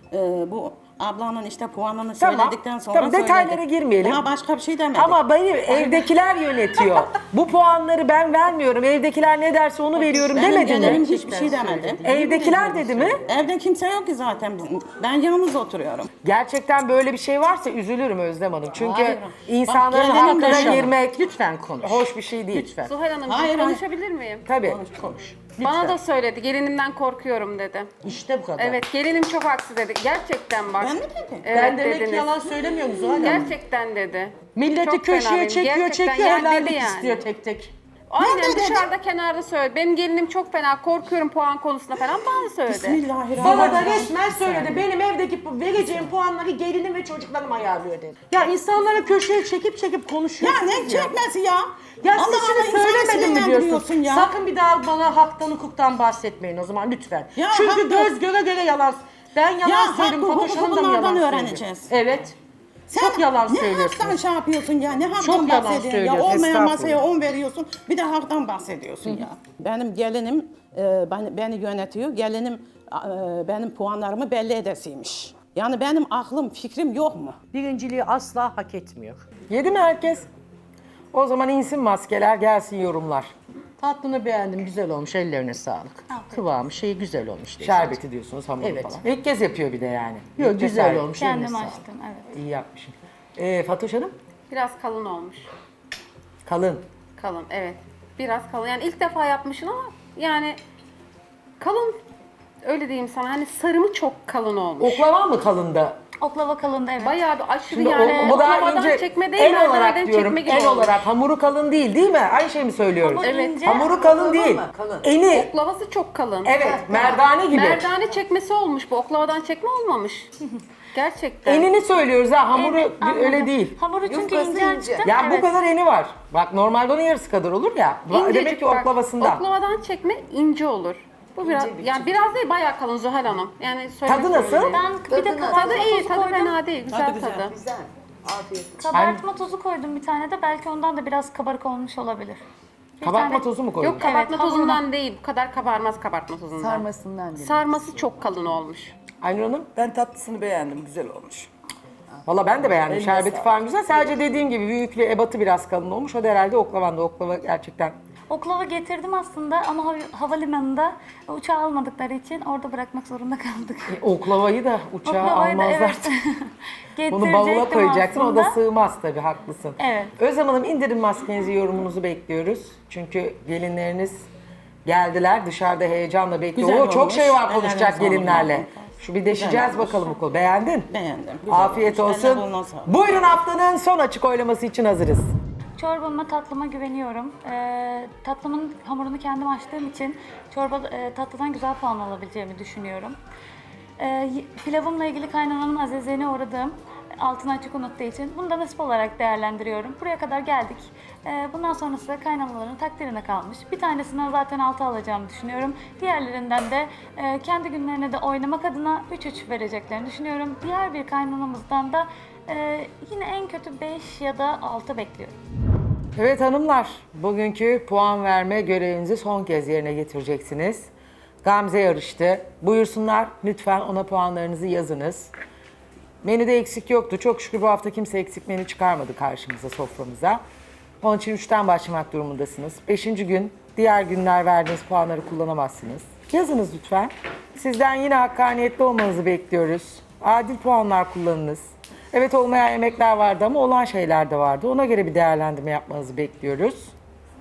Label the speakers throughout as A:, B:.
A: Bu ablanın işte puanını
B: Tamam,
A: söyledikten sonra
B: tamam, detaylara
A: söyledi.
B: girmeyelim.
A: Daha başka bir şey demedik.
B: Ama benim evdekiler yönetiyor. Bu puanları ben vermiyorum. Evdekiler ne derse onu veriyorum
A: Benim
B: demedi
A: gelinim
B: mi?
A: hiçbir şey demedi.
B: Evdekiler dedi mi?
A: Evde kimse yok ki zaten. Ben yalnız oturuyorum.
B: Gerçekten böyle bir şey varsa üzülürüm Özlem Hanım. Çünkü
A: Hayır.
B: insanların
A: Bak, gelelim
B: hakkına
A: konuşalım.
B: girmek
C: Lütfen konuş.
B: hoş bir şey değil.
C: Lütfen.
D: Zuhal Hanım
A: Hayır,
D: konuşabilir miyim?
B: Tabii.
A: Konuş.
D: Bana da söyledi. Gelinimden korkuyorum dedi.
C: İşte bu kadar.
D: Evet, gelinim çok haksız dedi. Gerçekten bak.
A: Ben mi dedim?
D: Evet,
C: Ben demek ki
D: dediniz.
C: yalan söylemiyorum Zuhal Hanım.
D: Gerçekten dedi.
C: Milleti
D: Çok
C: köşeye
D: fena benim.
C: çekiyor,
D: Gerçekten
C: çekiyor,
D: yani
C: helallik
D: dedi yani.
C: istiyor tek tek.
D: Aynen
A: Nerede dedi?
D: dışarıda kenarda söyledi. Benim gelinim çok fena, korkuyorum puan konusunda falan bana söyledi.
A: Bismillahirrahmanirrahim.
C: Bana da resmen söyledi. Benim evdeki vereceğim puanları gelinim ve çocuklarım ayarlıyor dedi. Ya insanları köşeye çekip konuşuyor.
A: Ya ne çekmesi ya?
C: Ya
A: Allah
C: siz
A: Allah,
C: şimdi
A: insanı
C: söylemedim mi
A: sinirlendiriyorsun
C: diyorsun?
A: ya?
C: Sakın bir daha bana haktan hukuktan bahsetmeyin o zaman lütfen.
A: Ya
C: Çünkü
A: haklı.
C: göz göre göre yalan. Ben yalan
A: Ya
C: söylüyorum.
A: hakkı,
C: Fatoş Hanım
A: hukuku
C: da mı yalan
A: bunlardan
C: söylüyor?
A: öğreneceğiz.
C: Evet. Çok yalan
A: Ne
C: söylüyorsun.
A: haktan şey yapıyorsun ya? Ne haktan
C: Çok yalan
A: bahsediyorsun ya?
C: söylüyorsun,
A: Olmayan
B: estağfurullah.
A: masaya 10 veriyorsun. Bir de haktan bahsediyorsun ya. Benim gelinim beni yönetiyor. Gelinim benim puanlarımı belli edesiymiş. Yani benim aklım, fikrim yok mu?
C: Birinciliği asla hak etmiyor.
B: Yedi mi herkes? O zaman insin maskeler, gelsin yorumlar.
C: Tatlını beğendim, güzel olmuş, ellerine sağlık. Kıvamı, şeyi güzel olmuş.
B: Şerbeti diyorsunuz, hamuru
C: Evet.
B: falan. İlk kez yapıyor bir de yani.
C: Yok,
B: İlk
C: güzel
B: kez
C: olmuş, eline
E: Kendim
C: sağlık.
E: açtım, evet.
B: İyi yapmışsın. Fatoş Hanım?
D: Biraz kalın olmuş.
B: Kalın.
D: Kalın, evet. Biraz kalın. Yani ilk defa yapmışsın ama yani kalın, öyle diyeyim sana. Hani sarımı çok kalın olmuş.
B: Oklava mı kalındı?
E: Oklava kalındı, evet.
D: Bayağı bir aşırı
B: Şimdi
D: yani.
B: bu daha
D: oklavadan
B: ince,
D: çekme değil,
B: el olarak
D: merdaneden
B: diyorum,
D: çekme gibi
B: el
D: olmuş.
B: olarak. Hamuru kalın değil, değil mi? Aynı şey mi söylüyoruz?
E: Hamur
D: Evet.
E: ince.
B: Hamuru kalın değil.
C: Kalın.
B: Eni,
D: Oklavası çok kalın.
B: evet, merdane gibi.
D: Merdane çekmesi olmuş bu. Oklavadan çekme olmamış. Gerçekten.
B: Enini söylüyoruz ha, hamuru
E: Evet, anladım.
B: öyle değil.
E: Hamuru çünkü
C: Yufkası
E: ince
C: ince.
E: açtım.
B: Ya
E: evet.
B: bu kadar eni var. Bak normalde onun yarısı kadar olur ya.
D: İncecik
B: Demek ki
D: bak,
B: oklavasında.
D: Oklavadan çekme ince olur. Bu biraz, yani biraz değil bayağı kalın Zuhal Hanım. Yani
B: Tadı nasıl?
E: Ben bir de
D: Tadı
E: kabartma
D: iyi,
E: tozu
D: tadı
E: koydum.
D: fena değil. Güzel
A: güzel.
D: tadı.
C: Güzel. Afiyet olsun.
E: Kabartma tozu koydum bir tane de. Belki ondan da biraz kabarık olmuş olabilir. Bir
B: Kabartma
E: tane-
B: tozu mu koydun?
D: Yok kabartma
E: Evet,
D: tozundan
E: hamuruna.
D: değil. Bu kadar kabarmaz kabartma tozundan.
F: Sarmasından değil.
D: Sarması çok kalın olmuş.
B: Aynur Hanım?
F: Ben tatlısını beğendim, güzel olmuş.
B: Valla ben de beğendim.
F: Eline
B: Şerbeti
F: sağlık.
B: falan güzel. Sadece dediğim gibi büyüklüğü, ebatı biraz kalın olmuş. O da herhalde oklavanda. Oklava gerçekten.
E: Oklava getirdim aslında ama havalimanında uçağa almadıkları için orada bırakmak zorunda kaldık.
B: Oklavayı da uçağa
E: Oklavayı da
B: almazlar.
E: evet.
B: Bunu bavula
E: Getirecektim
B: koyacaksın. O da
E: aslında.
B: sığmaz tabii, haklısın.
E: Evet.
B: Özlem Hanım, indirin maskenizi, yorumunuzu bekliyoruz. Çünkü gelinleriniz geldiler. Dışarıda heyecanla bekliyor.
A: Güzel
B: Oo, çok
A: olmuş.
B: şey var
A: Ellerine
B: konuşacak
A: sağlık.
B: gelinlerle. Şu bir deşeceğiz
A: olmuş.
B: bakalım bu konu. Beğendin?
A: Beğendim. Güzel
B: Afiyet
A: olmuş.
B: olsun.
A: Eline koluna sağlık.
B: Buyurun, haftanın son açık oylaması için hazırız.
E: Çorbama, tatlıma güveniyorum. Tatlımın hamurunu kendim açtığım için tatlıdan güzel puan alabileceğimi düşünüyorum. Pilavımla ilgili kaynananın azizliğine uğradığım, altını açık unuttuğu için bunu da nasip olarak değerlendiriyorum. Buraya kadar geldik. Bundan sonrası da kaynanaların takdirine kalmış. Bir tanesinden zaten 6 alacağımı düşünüyorum. Diğerlerinden de kendi günlerine de oynamak adına 3-3 vereceklerini düşünüyorum. Diğer bir kaynanamızdan da yine en kötü 5 ya da 6 bekliyorum.
B: Evet hanımlar, bugünkü puan verme görevinizi son kez yerine getireceksiniz. Gamze yarıştı. Buyursunlar, lütfen ona puanlarınızı yazınız. Menüde eksik yoktu. Çok şükür bu hafta kimse eksik menü çıkarmadı karşımıza, soframıza. Onun için 3'ten başlamak durumundasınız. 5. gün, diğer günler verdiğiniz puanları kullanamazsınız. Yazınız lütfen. Sizden yine hakkaniyetli olmanızı bekliyoruz. Adil puanlar kullanınız. Evet, olmayan yemekler vardı ama olan şeyler de vardı. Ona göre bir değerlendirme yapmanızı bekliyoruz.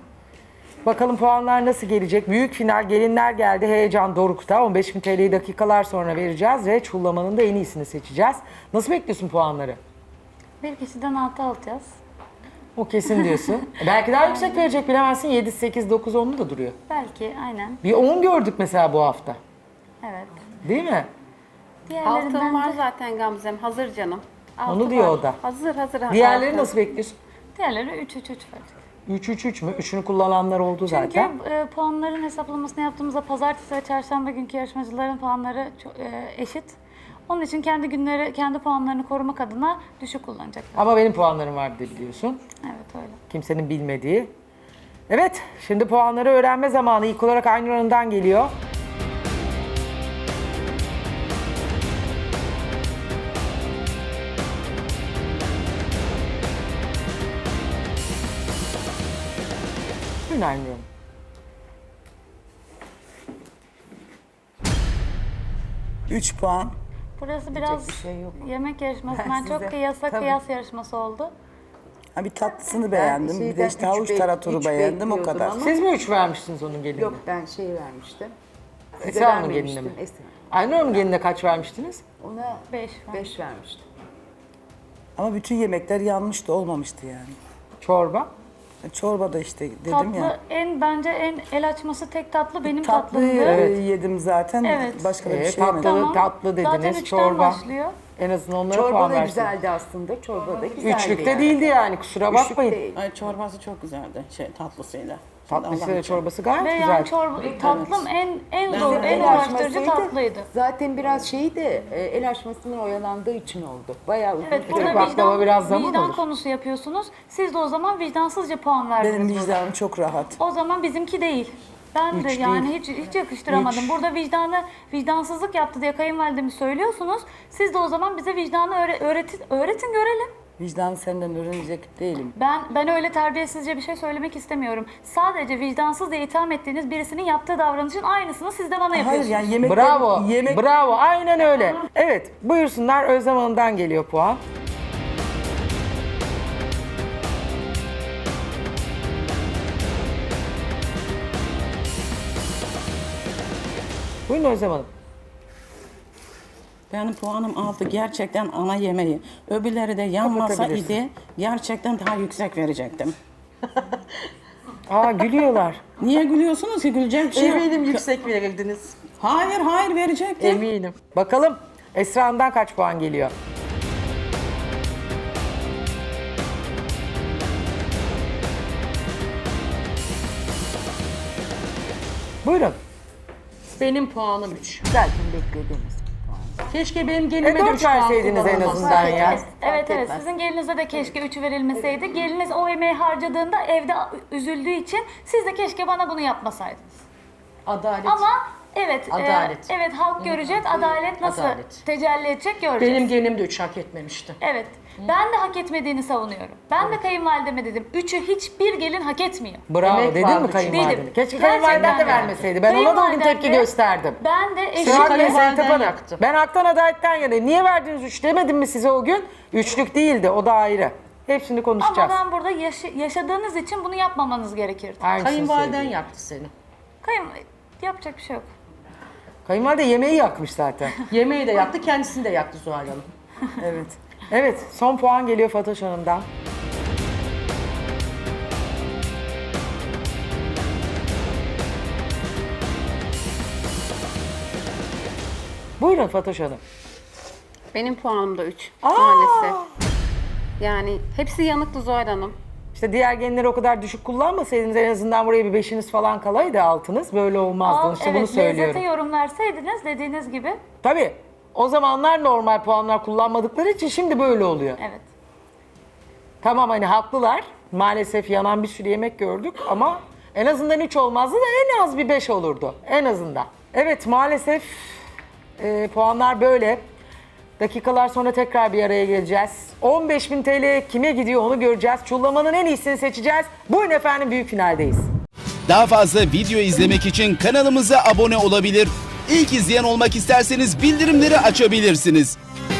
B: Bakalım puanlar nasıl gelecek? Büyük final, gelinler geldi. Heyecan dorukta. 15.000 TL'yi dakikalar sonra vereceğiz ve çullamanın da en iyisini seçeceğiz. Nasıl bekliyorsun puanları?
E: Bir kişiden 6 alacağız.
B: O kesin diyorsun. Belki daha yüksek verecek, bilemezsin. 7, 8, 9, 10'lu da duruyor.
E: Belki, aynen.
B: Bir 10 gördük mesela bu hafta.
E: Evet.
B: Değil mi?
D: Altın var
E: de,
D: zaten Gamze'm. Hazır canım.
B: Onu diyor o da.
D: Hazır.
B: Diğerleri
D: altın.
B: nasıl bekliyorsun?
E: diğerleri 3-3-3 verecek.
B: 3-3-3 mü? 3'ünü kullananlar oldu
E: Çünkü
B: zaten.
E: puanların hesaplamasını yaptığımızda pazartesi ve çarşamba günkü yarışmacıların puanları eşit. Onun için kendi puanlarını korumak adına düşük kullanacaklar.
B: Ama benim puanlarım vardı biliyorsun.
E: Evet, öyle.
B: Kimsenin bilmediği. Evet, şimdi puanları öğrenme zamanı. İlk olarak Aynur Hanım'dan geliyor. Buyurun Aynur Hanım.
F: Üç puan.
E: Burası biraz
B: bir şey yok.
E: yemek yarışmasından
F: Ben
E: çok
F: size-
E: kıyasa
F: tabii.
E: kıyas yarışması oldu.
F: Ha, bir tatlısını beğendim. Bir de
G: şeyden
F: işte havuç
G: üç
F: taraturu beğendim o
G: bekliyordum
F: kadar.
G: ama-
B: Siz mi 3 vermiştiniz onun gelinine?
G: Yok ben şey vermiştim. Size
B: Esra Hanım'ın
G: vermemiştim,
B: gelinine mi?
G: Esra.
B: Aynur Hanım'ın gelinine kaç vermiştiniz?
G: Ona
E: 5.
G: 5 vermiştim.
F: Ama bütün yemekler yanmıştı, olmamıştı yani.
B: Çorba.
F: Çorba da işte dedim
E: Tatlı
F: ya.
E: bence en el açması tek tatlı benim
F: Tatlıyı
E: tatlımdı.
F: yedim zaten.
E: Evet.
F: Başka da bir şey yemedim.
B: Tatlı
E: Zaten
B: dediniz,
E: 3'ten
B: çorba.
E: başlıyor.
B: En azından onlara
G: Çorba
B: puan
G: da
B: versiniz.
G: güzeldi aslında. Çorba da güzeldi.
B: Üçlükte
G: yani.
B: değildi yani, kusura
G: Üçlük
B: bakmayın.
G: değil.
A: Ay çorbası çok güzeldi tatlısıyla.
B: Tatlısıyla
A: Allah
B: çorbası gayet
E: Ve
B: güzel.
E: yani tatlım en zor, en
G: El
E: uğraştırıcı
G: açmasıydı.
E: tatlıydı.
G: Zaten biraz şeyi de el açmasının oyalandığı için oldu. Bayağı uzun
E: Evet,
G: süre.
E: burada
B: baklava biraz zaman
E: vicdan
B: olur.
E: konusu yapıyorsunuz. Siz de o zaman vicdansızca puan verdiniz.
F: Benim
E: burada.
F: vicdanım çok rahat.
E: O zaman bizimki değil. Ben de
B: Hiç
E: yani
B: değil.
E: hiç yakıştıramadım.
B: Hiç.
E: Burada vicdansızlık yaptı diye kayınvalidemi söylüyorsunuz. Siz de o zaman bize vicdanı öğretin görelim.
F: Vicdanı senden öğrenecek değilim.
E: Ben öyle terbiyesizce bir şey söylemek istemiyorum. Sadece vicdansız diye itham ettiğiniz birisinin yaptığı davranışın aynısını siz de bana
F: Hayır
E: yapıyorsunuz.
F: yani yemekler...
B: Bravo,
F: Yemek...
B: bravo. Aynen öyle. Evet, buyursunlar. Özlem Hanım'dan geliyor puan. Buyurun Özlem Hanım.
A: Benim puanım 6. Gerçekten ana yemeği. Öbürleri de yanmasa
B: Kapatabilirsin.
A: idi gerçekten daha yüksek verecektim.
B: Aa, gülüyorlar.
A: Niye gülüyorsunuz ki? Gülecek bir şey yok.
C: Eminim yüksek verirdiniz.
A: Hayır verecektim.
B: Eminim. Bakalım Esra Hanım'dan kaç puan geliyor? Buyurun.
C: Benim puanım 3.
G: Zaten beklediğimiz.
C: Keşke benim gelinime de
B: 4
C: 3 puan
B: verseydiniz en
C: kullanılmasa.
B: azından ya.
E: Evet
G: etmez.
E: sizin gelinize de keşke 3 verilmeseydi. Geliniz o emeği harcadığında evde üzüldüğü için siz de keşke bana bunu yapmasaydınız.
C: Adalet.
E: Ama evet,
C: Adalet.
E: evet halk görecek, adalet nasıl
C: Adalet.
E: tecelli edecek göreceğiz.
C: Benim gelinim de 3 hak etmemişti.
E: Evet, ben de hak etmediğini savunuyorum. Ben de kayınvalideme dedim, 3'ü hiçbir gelin hak etmiyor.
B: Bravo.
C: Emek
B: Dedin
C: vardı
B: mi
C: çünkü.
B: kayınvalidene?
E: Dedim.
B: Keşke
E: Gerçekten
B: kayınvaliden de
E: de.
B: vermeseydi. Ben ona da o gün
E: Kayınvalidem
B: tepki
E: de-
B: gösterdim.
E: Ben de
C: Senin
E: eşim
B: Sıhhat ve
C: kayınvaliden
B: Sertab Hanım.
C: yaktı.
B: Ben haktan adaletten yanayım. Niye verdiniz 3 demedim mi size o gün? Üçlük değildi, o da ayrı. Hepsini
E: ama
B: konuşacağız.
E: ben burada yaşadığınız için bunu yapmamanız gerekirdi.
B: Aynısını
C: Kayınvaliden
B: söyleyeyim.
C: yaktı seni.
E: Yapacak bir şey yok.
B: Kayınvalide yemeği yakmış zaten.
C: Yemeği de yaktı, kendisini de yaktı Zuhal Hanım.
F: Evet.
B: Evet, son puan geliyor Fatoş Hanım'dan. Buyurun Fatoş Hanım.
D: Benim puanım da 3 maalesef. Yani hepsi yanıktı Zuhal Hanım.
B: İşte diğer genleri o kadar düşük kullanmasaydınız en azından buraya bir 5'iniz falan kalaydı altınız. Böyle olmazdı. İşte bunu
E: evet,
B: söylüyorum.
E: lezzete yorum verseydiniz dediğiniz gibi.
B: Tabii. O zamanlar normal puanlar kullanmadıkları için şimdi böyle oluyor.
E: Evet.
B: Tamam hani haklılar. Maalesef yanan bir sürü yemek gördük ama en azından 3 olmazdı da en az bir 5 olurdu. En azından. Evet maalesef puanlar böyle. Dakikalar sonra tekrar bir araya geleceğiz. 15.000 TL kime gidiyor onu göreceğiz. Çullamanın en iyisini seçeceğiz. Buyurun efendim büyük finaldeyiz.
H: Daha fazla video izlemek için kanalımıza abone olabilir. İlk izleyen olmak isterseniz bildirimleri açabilirsiniz.